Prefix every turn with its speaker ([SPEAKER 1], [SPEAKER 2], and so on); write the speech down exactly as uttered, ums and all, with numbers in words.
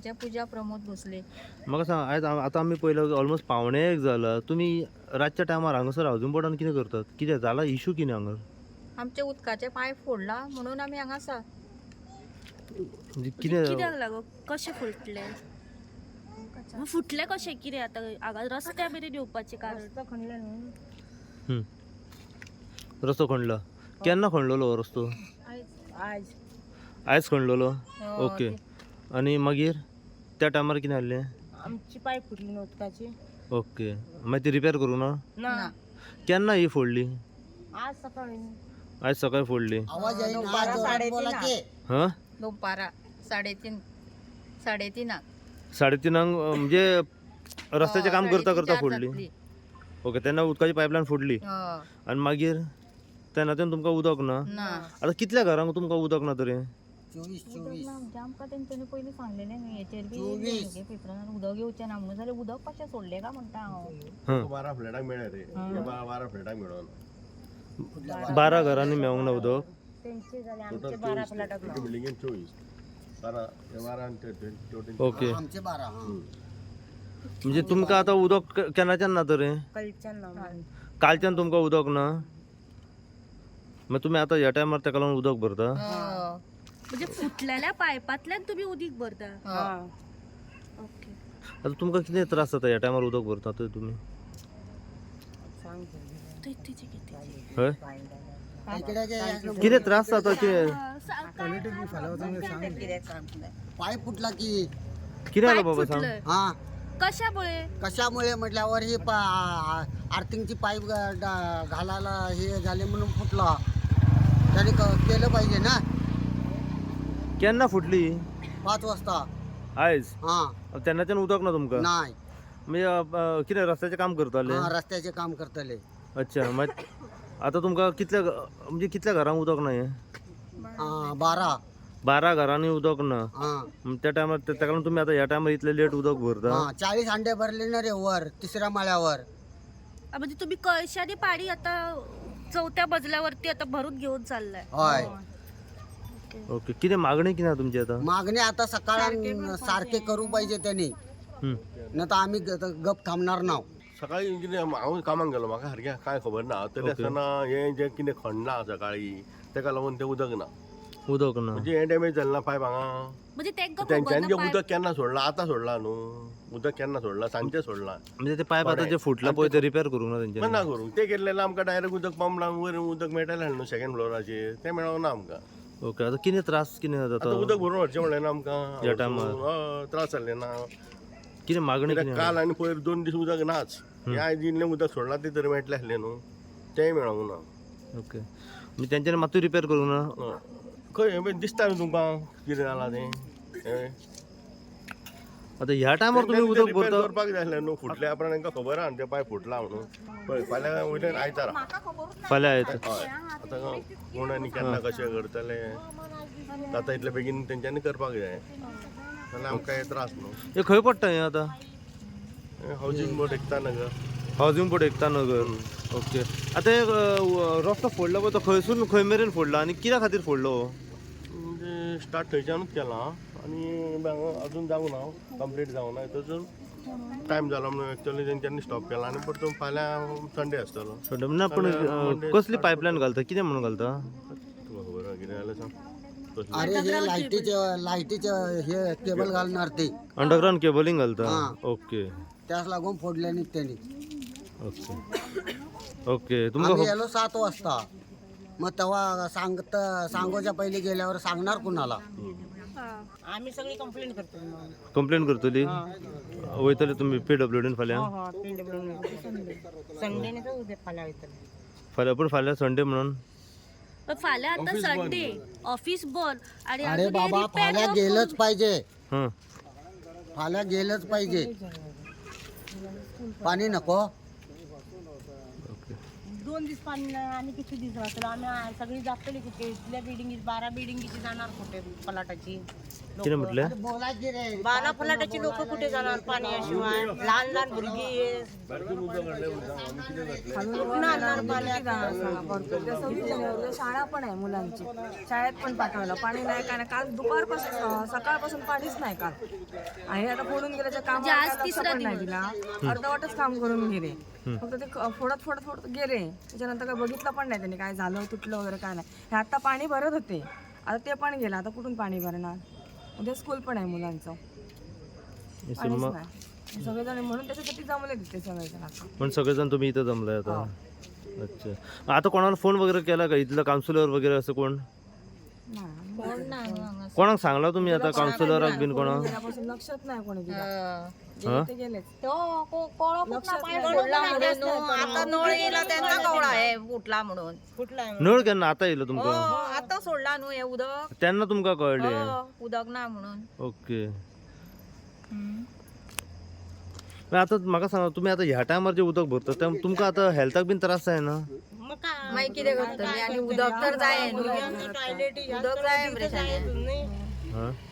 [SPEAKER 1] उदकाच्या पूजा प्रमोद भोसले.
[SPEAKER 2] म्हाका सांग आयज आ- आतां आमी पळयला ऑलमोस्ट पावणे एक जाला. तुमी रातच्या टायमार हांगासर हावजिंग बोर्डान कितें करतात? कितें जाला इशू कितें हांगा?
[SPEAKER 1] आमचे उदकाचे पायप फोडला म्हणून आमी हांगा आसा.
[SPEAKER 2] म्हणजे
[SPEAKER 3] कित्याक
[SPEAKER 2] कितें
[SPEAKER 3] लागो कशें फुटले मग फुटले कशें कितें आतां हांगा रस्त्या मेरेन येवपाचें कारण
[SPEAKER 1] खणले न्हू.
[SPEAKER 2] हं. रस्तो खणला. केन्ना खणलेलो हो रस्तो?
[SPEAKER 1] आज
[SPEAKER 2] आयज खणलेलो.
[SPEAKER 1] हो,
[SPEAKER 2] ओके.
[SPEAKER 1] ते-
[SPEAKER 2] आनी मागीर त्या टायमार कितें जाल्लें?
[SPEAKER 4] आमची पायप फुटली न्हू उदकाची.
[SPEAKER 2] ओके. मागीर ती रिपेर करूं ना?
[SPEAKER 1] ना
[SPEAKER 2] केन्ना ही फोडली?
[SPEAKER 4] आज सकाळी
[SPEAKER 2] आयज सकाळी फोडली.
[SPEAKER 4] बारा साडेतीन
[SPEAKER 2] हां
[SPEAKER 1] दोपारा साडेतीन साडेतिनाक
[SPEAKER 2] साडेतिनांक अं, म्हणजे रस्त्याचें काम करता
[SPEAKER 1] साडेतीन
[SPEAKER 2] करता
[SPEAKER 1] चार
[SPEAKER 2] फोडली.
[SPEAKER 1] जातली.
[SPEAKER 2] ओके. तेन्ना उदकाची पायपलायन फोडली
[SPEAKER 1] हो,
[SPEAKER 2] आनी मागीर तेन्नाच्यान तुमकां उदक ना.
[SPEAKER 1] ना
[SPEAKER 2] आतां कितल्या घरांक तुमकां उदक ना तरी?
[SPEAKER 5] चोवीस चोवीस
[SPEAKER 1] म्हणजे आमकां तेंच्यांनी पयलीं सांगलेलें न्हू हेचेर बी हेजे पेपरान उदक येवचें ना म्हणून जाल्यार उदक कशें सोडलें काय म्हणटा हांव.
[SPEAKER 2] हां
[SPEAKER 6] बारा फ्लॅटाक मेळ्ळे रे हे बारा बारा फ्लॅटाक मेळोन
[SPEAKER 2] बारा घरांनी मेळोंक ना उदक.
[SPEAKER 4] तेंचे जाले आमचे
[SPEAKER 6] टोटल
[SPEAKER 4] बारा
[SPEAKER 6] चोवीस
[SPEAKER 4] फ्लॅटाक
[SPEAKER 6] एका बिल्डिंगेन चोवीस बारा हे बारा आनी ते टोटल
[SPEAKER 2] ओके.
[SPEAKER 5] आमचे बारा हा
[SPEAKER 2] म्हणजे तुमकां आतां उदक के- केन्नाच्यान ना तरी?
[SPEAKER 4] कलच्यान ना
[SPEAKER 2] कालच्यान तुमकां उदक ना? मागीर तुमी आतां ह्या टायमार ताका लागून उदक भरता?
[SPEAKER 1] हो,
[SPEAKER 3] म्हणजे फुटलेल्या पायपांतल्यान तुम्ही उदीक भरता.
[SPEAKER 1] हो.
[SPEAKER 3] ओके.
[SPEAKER 2] आतां तुमकां कितें त्रास जाता ह्या टायमार उदक भरता तर तुमी?
[SPEAKER 3] थंय तेचे कितें?
[SPEAKER 2] हय?
[SPEAKER 5] इकडे जे
[SPEAKER 2] कितें त्रास जाता ते
[SPEAKER 5] पाईप फुटला की
[SPEAKER 2] कितें जालें
[SPEAKER 3] पायप
[SPEAKER 2] बाबा सांग?
[SPEAKER 3] फुटलंय.
[SPEAKER 5] हा
[SPEAKER 3] कशामुळे?
[SPEAKER 5] कशामुळे म्हटल्यावर ही पा- आर्थिंगची पाईप गा- डा- घालायला हे झाले म्हणून फुटला. त्याने क- केलं पाहिजे ना.
[SPEAKER 2] केन्ना फुटली?
[SPEAKER 5] पाच वाजता
[SPEAKER 2] आयज?
[SPEAKER 5] हा
[SPEAKER 2] तेन्नाच्यान उदक ना तुमकां?
[SPEAKER 5] नाही
[SPEAKER 2] म्हणजे अं, कितें रस्त्याचें काम करताले?
[SPEAKER 5] हा रस्त्याचे काम करतले.
[SPEAKER 2] अच्छा. मागीर आतां तुमकां कितल्या घ- म्हणजे कितल्या घरांक उदक ना हें?
[SPEAKER 5] हा, बारा
[SPEAKER 2] बारा घरांनी उदक ना.
[SPEAKER 5] हा
[SPEAKER 2] मग त्या टायमार ताका लागून तुमी आतां ह्या टायमार इतले लेट उदक भरता?
[SPEAKER 5] हा चाळीस अंडे भरले ना रे वर तिसऱ्या माळ्यावर.
[SPEAKER 3] आ, म्हणजे तुम्ही कळशाने पाणी आता चौथ्या मजल्यावरती आता भरून घेऊन चाललाय.
[SPEAKER 5] होय
[SPEAKER 2] ओके. कितें मागणी कितें आहा तुमची आतां?
[SPEAKER 5] मागणी आता सकाळी सारखे करू पाहिजे त्यांनी,
[SPEAKER 2] हं.
[SPEAKER 5] नाही तर आम्ही ग- गप थांबणार नाव.
[SPEAKER 6] सकाळी कितें हांव कामाक गेलो म्हाका सारकें कांय खबर ना तरी आसतना हें जें कितें खणलां सकाळी ताका लागून तें उदक ना.
[SPEAKER 2] उदक ना.
[SPEAKER 6] म्हणजे हें डॅमेज जालें ना पायप हांगा.
[SPEAKER 3] म्हणजे तेंका खबर
[SPEAKER 6] तेंच्यांनी
[SPEAKER 3] ना
[SPEAKER 6] जें
[SPEAKER 3] पाय-
[SPEAKER 6] उदक केन्ना सोडलां आतां सोडलां न्हू. उदक केन्ना सोडलां सांजचें सोडलां.
[SPEAKER 2] म्हणजे ते पायप आतां जे फुटलां पळय ते रिपेर करूंक ना
[SPEAKER 6] पण
[SPEAKER 2] तेंच्यांनी?
[SPEAKER 6] ना करूंक तें केल्लें आमकां डायरेक्ट उदक पंप लावन वयर उदक मेळटलें न्हू सेकंड फ्लोराचेर तें मेळोंक ना आमकां.
[SPEAKER 2] ओके. आतां कितें त्रास कितें
[SPEAKER 6] आतां
[SPEAKER 2] जाता?
[SPEAKER 6] उदक भरून व्हरचें म्हणलें ना आमकां.
[SPEAKER 2] ह्या टायमार?
[SPEAKER 6] हय, त्रास जाल्ले ना.
[SPEAKER 2] कितें मागणी
[SPEAKER 6] कित्याक
[SPEAKER 2] कितें
[SPEAKER 6] काल आनी पयर दोन दीस उदक नाच. हें आयज इल्लें उदक सोडलां तें तरी मेळटलें आसलें न्हू. तेंय मेळोंक ना.
[SPEAKER 2] ओके. म्हणजे तेंच्यांनी मात्तूय रिपेर करूंक ना?
[SPEAKER 6] हय. खंय हें दिसता न्हू तुमकां कितें जालां तें. हें.
[SPEAKER 2] आतां ह्या टायमार तुमी
[SPEAKER 6] तें
[SPEAKER 2] उदक
[SPEAKER 6] रिपेर
[SPEAKER 2] भरता?
[SPEAKER 6] करपाक जाय आसलें न्हू. फुटल्या उपरांत तांकां खबर आहा न्हू तें पायप फुटलां म्हणून. पळय फाल्यां वयल्यान आयतारा.
[SPEAKER 2] फाल्यां येता.
[SPEAKER 6] हय. आतां कोण आनी केन्ना कशें करतले आतां इतले बेगीन तेंच्यांनी करपाक जाय. नाल्यार आमकां हे त्रास न्हू.
[SPEAKER 2] हें खंय पडटा हें आतां?
[SPEAKER 6] हें housing board Ekta Nagar.
[SPEAKER 2] Housing board Ekta Nagar. Okay. आतां हे अं, रस्तो फोडला पळय तो खंयसून खंय मेरेन फोडला आनी कित्या खातीर फोडलो हो?
[SPEAKER 6] म्हणजे स्टार्ट थंयच्यानूच केलां आनी हांगा अजून जावंक ना कंप्लीट जावंक ना थंयसून टायम जालो म्हणून एक्चुअली तेंच्यांनी स्टॉप केला आनी परतून फाल्यां संडे आसतलो.
[SPEAKER 2] सो ना पूण अं, कसली पायपलायन घालता? कितें म्हणून घालता?
[SPEAKER 6] तुका खबर आहा कितें जालें सांग. कसली?
[SPEAKER 5] अरे हे लाईटीचे लाईटीचे हे केबल घालणार ते
[SPEAKER 2] अंडरग्राउंड केबलिंग घालता?
[SPEAKER 5] हा.
[SPEAKER 2] ओके.
[SPEAKER 5] त्यास लागून फोडल्याने त्यांनी.
[SPEAKER 2] ओके. ओके. तुमकां
[SPEAKER 5] आम्ही
[SPEAKER 2] खब-
[SPEAKER 5] गेलो सात वाजता. मग तेव्हा सांगत सांगोच्या पहिले गेल्यावर सांगणार कुणाला.
[SPEAKER 4] आम्ही सगळी कंप्लेंट करतो.
[SPEAKER 2] कंप्लेन करतली? वयतले तुमी पीडब्ल्यूडीन फाल्यां?
[SPEAKER 4] संडेने तर उद्या फाल्या वयतले.
[SPEAKER 2] फाल्यां पूण फाल्यां संडे म्हणून?
[SPEAKER 3] पण फाल्यां आता संडे ऑफिस बंद आणि
[SPEAKER 5] अरे
[SPEAKER 3] अजून हे
[SPEAKER 5] बाबा
[SPEAKER 3] repair
[SPEAKER 5] फाल्या
[SPEAKER 3] नको.
[SPEAKER 5] गेलंच पाहिजे.
[SPEAKER 2] हां.
[SPEAKER 5] फाल्या गेलंच पाहिजे. पाणी नको.
[SPEAKER 2] ओके.
[SPEAKER 4] दोन दिवस पाणी नाही आणि किती दिवस वाचलो आम्ही सगळी जातली कुठे इथल्या बिल्डिंगी बारा बिल्डिंगीची जाणार कुठे पलाटाची.
[SPEAKER 2] किती म्हटले
[SPEAKER 5] बोलायचे रे
[SPEAKER 4] बाला फलाटाची लोक कुठे जाणार पाण्याशिवाय लहान लहान मुलगी कुठून आणणार पाण्यात
[SPEAKER 7] शाळा पण आहे मुलांची शाळेत पण पाठवायला पाणी नाही काय नाही काल दुपारपासून सकाळपासून पाणीच नाही काल आणि आता फोडून गेल्याच्या काम पण नाही दिला अर्धवटच काम करून गेले फक्त ते क- फोडत फोडत फोडत गेले त्याच्यानंतर काय बघितलं पण नाही त्यांनी काय झालं तुटलं वगैरे काय नाही हे आता पाणी भरत होते आता ते पण गेलं आता कुठून पाणी भरणार उद्या स्कूल पण आहे मुलांचं
[SPEAKER 2] हे
[SPEAKER 7] पाणीच
[SPEAKER 2] सिनेमा-
[SPEAKER 7] नाही सगळेजण म्हणून त्याच्यासाठी जमले तिथे सगळेजण आता
[SPEAKER 2] पण सगळेजण तुम्ही इथं जमलाय आता अच्छा आता कोणाला फोन वगैरे केला का इथलं काउन्सिलर वगैरे असं कोण कोणाक सांगला तुम्ही आता काउन्सिलर बिन कोणा
[SPEAKER 7] गेल्यापासून लक्षात नाही कोणी दिलं गेले ते गेलेच
[SPEAKER 1] तो को- कोळो कुठला
[SPEAKER 7] लक्षात
[SPEAKER 1] पाय
[SPEAKER 7] नाही.
[SPEAKER 1] सोडला म्हणून आता नळ येला त्यांचा कवळा आहे फुटला म्हणून
[SPEAKER 4] कुठला
[SPEAKER 2] नळ केन्ना आता येयलो
[SPEAKER 1] हो
[SPEAKER 2] तुमका
[SPEAKER 1] आता सोडला न्हू हे उदक
[SPEAKER 2] त्यांना तुमका कळले
[SPEAKER 1] हो, उदक ना म्हणून
[SPEAKER 2] ओके पण आता म्हाका सांगा तुम्ही आता ह्या टायमार जे उदक भरतात तेव्हा तुमका आता हेल्थाक बीन त्रास आहे ना
[SPEAKER 4] मग काय
[SPEAKER 1] मागीर कितें करतली आनी उदक तर जाय न्हू
[SPEAKER 4] टॉयलेट
[SPEAKER 1] उदक जाय मरे शाळेत.
[SPEAKER 2] हा